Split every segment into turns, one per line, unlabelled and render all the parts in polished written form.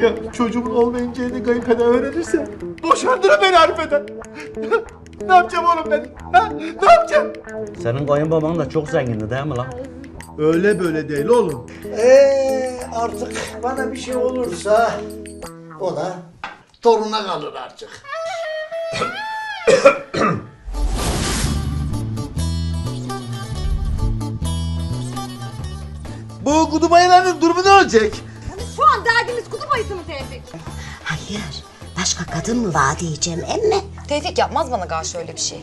Ya çocuğumun olmayacağını kayınpeder öğrenirse boşandır beni Arife'den. Ne yapacağım oğlum ben? Ha? Ne yapacağım?
Senin kayınbaban da çok zengindi değil mi lan?
Öyle böyle değil oğlum.
Artık bana bir şey olursa o da toruna kalır artık.
Bu kutup ayılarının durumu ne olacak?
Şu an derdimiz kutup ayısı mı Tevfik?
Hayır. Başka kadın mı var diyeceğim emme.
Tevfik yapmaz bana karşı öyle bir şey.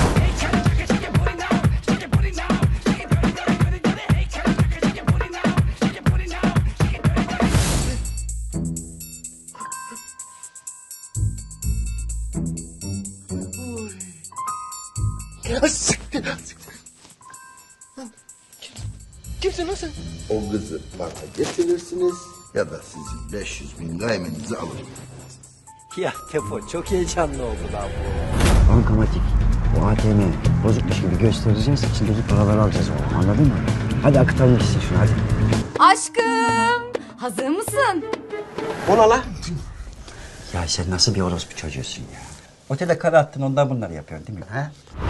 Kimsin lan sen?
O kızı bana getirirsiniz ya da sizin 500.000 gaymenizi alırım.
Ya Tefo çok heyecanlı oldu lan bu.
Bankamatik. O ATM'i bozukmuş gibi göstereceğiz. İçindeki paraları alacağız oğlum, anladın mı? Hadi akıtalım gitsin şunu hadi.
Aşkım, hazır mısın?
Ona lan.
Ya sen nasıl bir orospu çocuğusun ya? Otele kara attın ondan bunları yapıyorsun değil mi? Ha?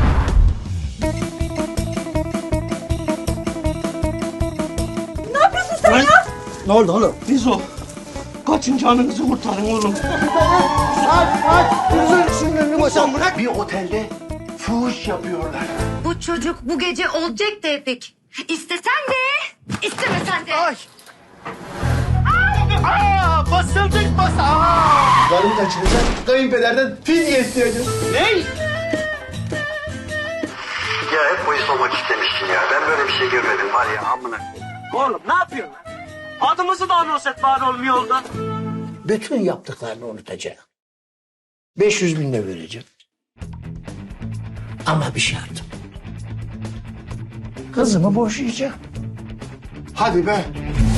Ne oldu oğlum? Biz o. Kaçın canınızı kurtarın oğlum. Bir otelde fuhuş yapıyorlar.
Bu çocuk bu gece olacak Tevfik. İstesen de, istemesen de.
Ay! Aa! Basıldık Karım kaçıracak. Kayınpederden fidye isteyeceğim. Ne?
Ya hep polis olmak istemiştin ya. Ben böyle bir şey görmedim var ya amına.
Oğlum ne yapıyorsun lan? Adımızı da anons et bari oğlum yolda.
Bütün yaptıklarını unutacağım. 500.000 de vereceğim. Ama bir şartım. Kızımı boşayacağım.
Hadi be.